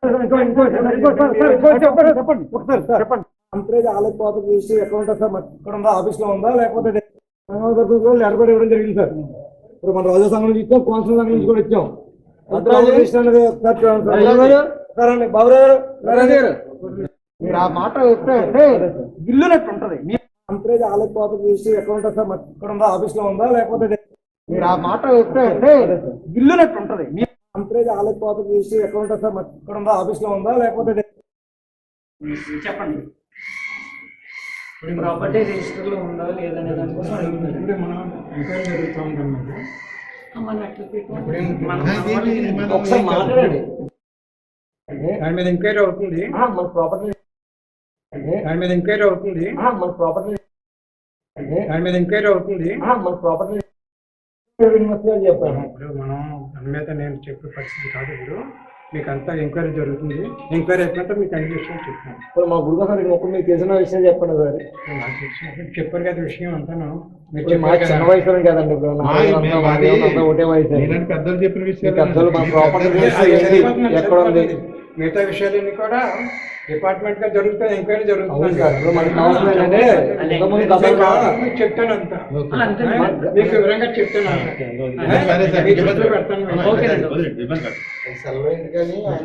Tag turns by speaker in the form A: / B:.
A: చెప్పండి ఒకసారి సార్ చెప్పండి. అంతరేజ్ ఆలయ కోత చేసి ఎక్కడ ఉంటుంది సార్? ఇక్కడ ఉందా, ఆఫీస్ లో ఉందా, లేకపోతే లెటర్ కూడా ఇవ్వడం జరిగింది సార్. ఇప్పుడు మన రాజా సంఘం నుంచి ఇచ్చాం, కోన్సల్ సంఘం నుంచి కూడా ఇచ్చాం. సరే బాబురావు గారు మీరు ఆ మాట వస్తే ఇల్లునట్టు ఉంటది. అంతరేజ్ ఆలయ కోత చేసి ఎక్కడ ఉంటుంది సార్? ఇక్కడ ఉందా, ఆఫీస్ లో ఉందా, లేకపోతే మీరు ఆ మాట వస్తే ఇల్లునట్టు ఉంటది. అంతరేజ్ ఆలయ కోత చేసి ఎక్కడ ఉంటుంది సార్? ఇక్కడ ఉందా, ఆఫీస్ లో ఉందా, లేకపోతే
B: చెప్పండి. ప్రాపర్టీ రిజిస్టర్ లో ఉందా లేదనే దానికోసం అడుగుతుంది.
C: మనం ఎంక్వైరీ జరుగుతూ ఉందన్నమాట.
A: ఒకసారి మాట్లాడండి.
C: దాని మీద ఎంక్వైరీ అవుతుంది.
A: మన ప్రాపర్టీ
C: దాని మీద ఎంక్వైరీ అవుతుంది.
A: మన ప్రాపర్టీ
C: దాని మీద ఎంక్వైరీ అవుతుంది.
A: మన ప్రాపర్టీ చెప్పాను.
C: ఇప్పుడు మనం దాని మీద నేను చెప్పే పరిస్థితి కాదు. ఇప్పుడు మీకు అంతా ఎంక్వైరీ జరుగుతుంది. ఎంక్వైరీ అయిపోతే మీకు అన్ని విషయాలు చెప్తాను.
A: ఇప్పుడు మా గురుగా సార్ ఒక మీకు తెలిసిన విషయం చెప్పండి సార్.
C: నాకు తెలిసినప్పుడు చెప్పారు కదా విషయం అంతా మీరు
A: మా చిన్న వయసు కదండి. ఇప్పుడు ఒకటే వయసు.
D: పెద్దలు చెప్పిన విషయాలు
A: పెద్దలు మన ప్రాపర్టీ ఎక్కడ ఉంది,
C: మిగతా విషయాలన్నీ కూడా డిపార్ట్మెంట్ గా జరుగుతుంది. ఎంక్వైరీ జరుగుతుంది. చెప్తాను అంతా మీకు వివరంగా చెప్తాను.
D: సరే
C: పెడతాను.